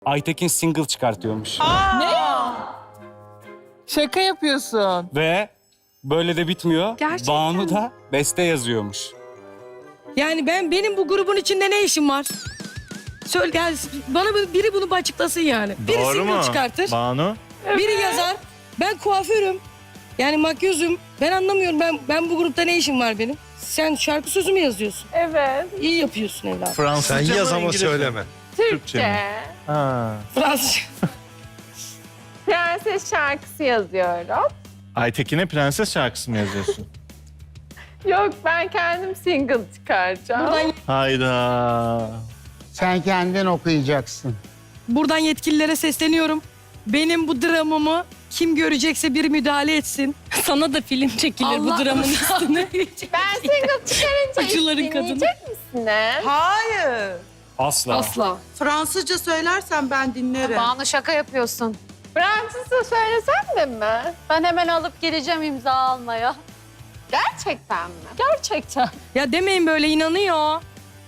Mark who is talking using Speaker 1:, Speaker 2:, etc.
Speaker 1: Aytekin single çıkartıyormuş.
Speaker 2: Şaka yapıyorsun.
Speaker 1: Ve böyle de bitmiyor.
Speaker 3: Gerçekten
Speaker 1: Banu da beste yazıyormuş.
Speaker 3: Yani benim bu grubun içinde ne işim var? Söyle gel bana biri bunu açıklasın yani. Biri
Speaker 4: Doğru
Speaker 3: single
Speaker 4: mu
Speaker 3: çıkartır,
Speaker 4: Banu?
Speaker 3: biri yazar. Ben kuaförüm. Yani makyözüm. Ben anlamıyorum. Ben bu grupta ne işim var benim? Sen şarkı sözü mü yazıyorsun?
Speaker 5: Evet.
Speaker 3: İyi yapıyorsun evladım.
Speaker 4: Fransızca
Speaker 6: Sen
Speaker 4: mı,
Speaker 6: yaz ama
Speaker 4: İngilizce mi?
Speaker 6: söyleme.
Speaker 4: Türkçe mi? Ha.
Speaker 3: Fransızca.
Speaker 5: Prenses şarkısı yazıyorum.
Speaker 4: Aytekin'e prenses şarkısı mı yazıyorsun?
Speaker 5: Yok, ben kendim single çıkaracağım.
Speaker 4: Hayda.
Speaker 7: Sen kendin okuyacaksın.
Speaker 3: Buradan yetkililere sesleniyorum. Benim bu dramımı kim görecekse bir müdahale etsin. Sana da film çekilir bu dramın üstüne.
Speaker 5: Ben single çıkarınca
Speaker 3: Acıların
Speaker 5: hiç
Speaker 3: kadını.
Speaker 5: dinleyecek misiniz?
Speaker 2: Hayır.
Speaker 1: Asla.
Speaker 3: Asla.
Speaker 2: Fransızca söylersen ben dinlerim.
Speaker 8: Banu şaka yapıyorsun.
Speaker 5: Fransızca söylesem de mi?
Speaker 8: Ben hemen alıp geleceğim imza almaya.
Speaker 5: Gerçekten mi?
Speaker 8: Gerçekten.
Speaker 3: Ya demeyin böyle inanıyor.